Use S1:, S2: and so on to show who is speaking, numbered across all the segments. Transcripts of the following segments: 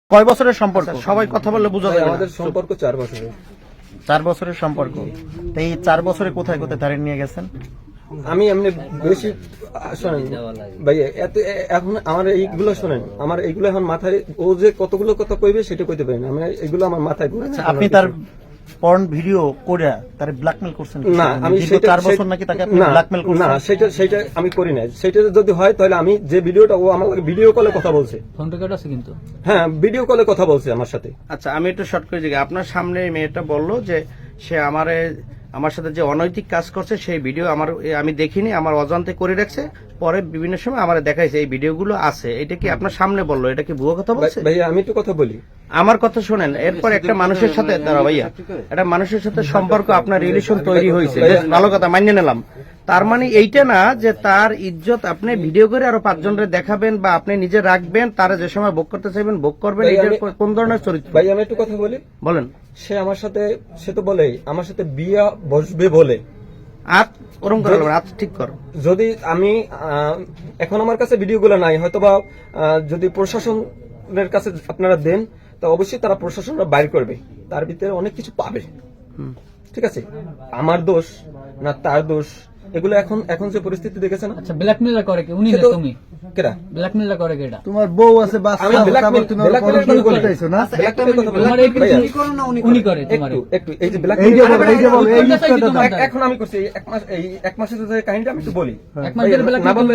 S1: কয় বছরের সম্পর্ক? সবাই কথা বললে বোঝা যাবে না।
S2: আমাদের সম্পর্ক 4 বছরের।
S1: 4 বছরের সম্পর্ক। তো এই 4 বছরে কোথায় কোথায় তারিখ নিয়ে গেছেন?
S2: আমি এমনি বেশি শোনেন ভাই, এখন আমার এইগুলো শোনেন, আমার এইগুলো এখন মাথায়, ও যে কতগুলো কথা কইবে সেটা কইতে পারি না, আমি এইগুলো আমার মাথায় ঘুরছে।
S1: আপনি তার পর্ন ভিডিও করে তারে ব্ল্যাকমেল করছেন?
S2: না, আমি
S1: সেটা 4 বছর নাকি তাকে আপনি ব্ল্যাকমেল করছেন?
S2: না, সেটা আমি করি না। সেটা যদি হয় তাহলে আমি যে ভিডিওটা, ও আমার ভিডিও কলে কথা বলছে,
S3: ফোন রেকর্ড আছে কিন্তু।
S2: হ্যাঁ, ভিডিও কলে কথা বলছে আমার সাথে।
S4: আচ্ছা, আমি একটু শর্ট করে দিই। আপনার সামনে এই মেয়েটা বললো যে সে আমার সাথে যে অনৈতিক কাজ করছে সেই ভিডিও আমি দেখিনি, আমার অজান্তে করে রাখছে, পরে বিভিন্ন সময় আমার দেখাইছে এই ভিডিওগুলো আছে। এটা কি আপনার সামনে বললো? এটা কি ভুয়ো কথা বলছে?
S2: ভাইয়া আমি একটু কথা বলি,
S4: আমার কথা শোনেন। এরপর একটা মানুষের সাথে, দাঁড়া ভাইয়া, একটা মানুষের সাথে সম্পর্ক, আপনার রিলেশন তৈরি হয়েছে, বেশ ভালো কথা, মানিয়ে নিলাম। তার মানে এইটা না যে তার ইজ্জত আপনি ভিডিও করে আরো 5 জনের দেখাবেন বা আপনি নিজে রাখবেন, তারা যে সময় ভোগ করতে চাইবেন ভোগ করবেন। এটার কোন ধরনের চরিত্র?
S2: ভাই আমি একটু কথা বলি।
S4: বলেন।
S2: সে আমার সাথে, সে তো বলেই আমার সাথে বিয়া বসবে বলে।
S4: ওরম করে বলবেন, ঠিক করো।
S2: যদি আমি এখন আমার কাছে ভিডিওগুলো নাই, হয়তোবা যদি প্রশাসনের কাছে আপনারা দেন, তা অবশ্যই তারা প্রশাসনরা বাইর করবে, তার ভিতরে অনেক কিছু পাবে। ঠিক আছে, আমার দোষ না তার দোষ, এগুলো এখন যে পরিস্থিতি দেখেছেন।
S3: আচ্ছা, ব্ল্যাকমেলটা করে কি? উনি না তুমি?
S2: কেডা
S3: ব্ল্যাকমেলটা করে কেডা?
S1: তোমার বউ আছে, বাচ্চা
S2: আমি
S1: আছে, তারপর তুমি ওর
S2: ব্ল্যাকমেলের
S1: পরকিয়া
S2: কথা বলি।
S1: করতেছো না?
S3: তোমার এই উনি করে তোমার
S2: একটু এই যে
S1: এই যে বলো, এই যে বলো, এই জিনিসটা দাও।
S2: এখন আমি করছি এক মাসের যে কাহিনীটা আমি একটু বলি।
S3: এক মাস ধরে
S2: না বললে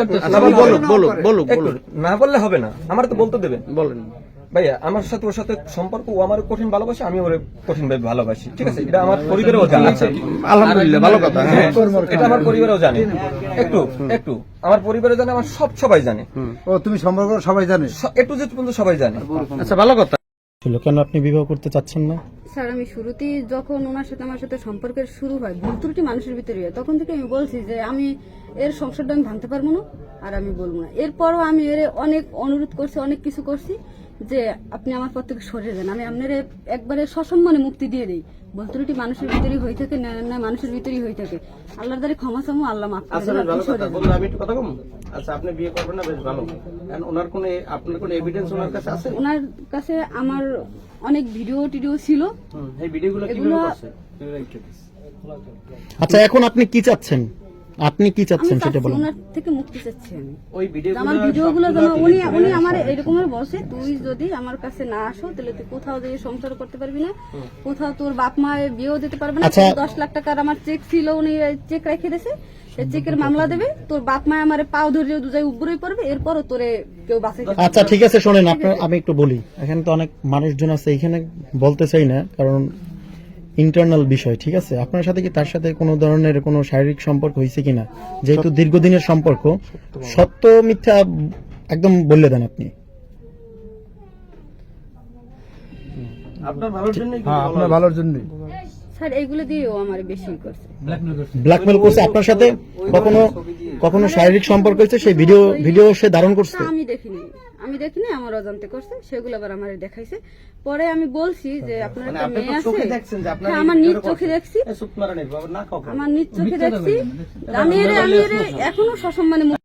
S2: না বললে হবে না, আমার তো বলতে দেবেন।
S4: বলেন
S2: ভাইয়া, আমার সাথে ওর সাথে সম্পর্ক, ও আমার কঠিন ভালোবাসে, আমি ওর কঠিন ভাবে ভালোবাসি। ঠিক আছে, এটা আমার পরিবারেও জানে।
S4: আলহামদুলিল্লাহ, ভালো কথা।
S2: হ্যাঁ, এটা আমার পরিবারেও জানে। একটু আমার পরিবারে জানে, আমার সবাই জানে।
S1: ও তুমি সম্পর্ক সবাই জানে?
S2: একটু যে পর্যন্ত সবাই জানে।
S4: আচ্ছা, ভালো কথা।
S1: কেন আপনি বিবাহ করতে চাচ্ছেন না?
S5: স্যার, আমি শুরুতেই যখন ওনার সাথে আমার সাথে সম্পর্কের শুরু হয়, ভুল ত্রুটি মানুষের ভিতরে হয়, তখন থেকে আমি বলছি যে আমি এর সংসারটা আমি ভাঙতে পারবো না, আর আমি বলবো না। এরপরও আমি এর অনেক অনুরোধ করছি, অনেক কিছু করছি যে আপনি আমার পর থেকে সরে যান, আমি আপনার একবারে সসম্মানে মুক্তি দিয়ে দিই। ভুল ত্রুটি মানুষের ভিতরেই হয়ে থাকে, না মানুষের ভিতরেই হয়ে থাকে। আল্লাহর দ্বারা ক্ষমা চামো, আল্লাহ মাফ করে দেন, আপনি সরে যান।
S4: আমি একটু কথা বলবো। আচ্ছা, আপনি বিয়ে করবেন না, বেশ ভালো। ওনার আপনার কোনো এভিডেন্স ওনার কাছে আছে?
S5: ওনার কাছে আমার অনেক ভিডিও টিডিও ছিল।
S4: এই ভিডিওগুলো
S5: এগুলো
S1: আচ্ছা, এখন আপনি কি চাচ্ছেন? আপনি কি চাচ্ছেন সেটা বলুন।
S5: ওনার থেকে মুক্তি চাচ্ছি আমি।
S4: ওই
S5: আমার ভিডিওগুলো যেন উনি আমার এরকমের বসে, তুই যদি আমার কাছে না আসো তাহলে তুই কোথাও দিয়ে সংসার করতে পারবি না, কোথাও তোর বাপ মা বিয়েও দিতে পারবে না। 10 লাখ টাকার আমার চেক ছিল, উনি চেক রেখে দিয়েছে, চেকের মামলা দেবে, তোর বাপ মা আমার পাও ধরে দুজায় উপরেই পড়বে, এরপরও তোরে কেউ বাঁচাই।
S1: আচ্ছা ঠিক আছে, শোনেন, আমি একটু বলি। এখানে তো অনেক মানুষজন আছে, এখানে বলতে চাই না, কারণ ইন্টারনাল বিষয়। ঠিক আছে, আপনার সাথে কি তার সাথে কোনো ধরনের কোনো শারীরিক সম্পর্ক হয়েছে কিনা? যেহেতু দীর্ঘদিনের সম্পর্ক, সত্য মিথ্যা একদম বললে দেন আপনি।
S4: আপনার ভালোর জন্য।
S1: হ্যাঁ, আপনার ভালোর জন্য।
S5: স্যার, এইগুলো দিয়েও আমার বেশি করছে,
S1: ব্ল্যাকমেল করছে আপনার সাথে। কখনো শারীরিক সম্পর্ক হয়েছে? সেই ভিডিও সে ধারণ করছে?
S5: আমি দেখিনি, আমার অজান্তে করছে, সেগুলো আবার আমার দেখাইছে। পরে আমি বলছি যে আপনার একটা মেয়ে আছে, আমার নিজ চোখে দেখছি, আমার নিজ চোখে দেখছি, আমি এখনো সসম্মানে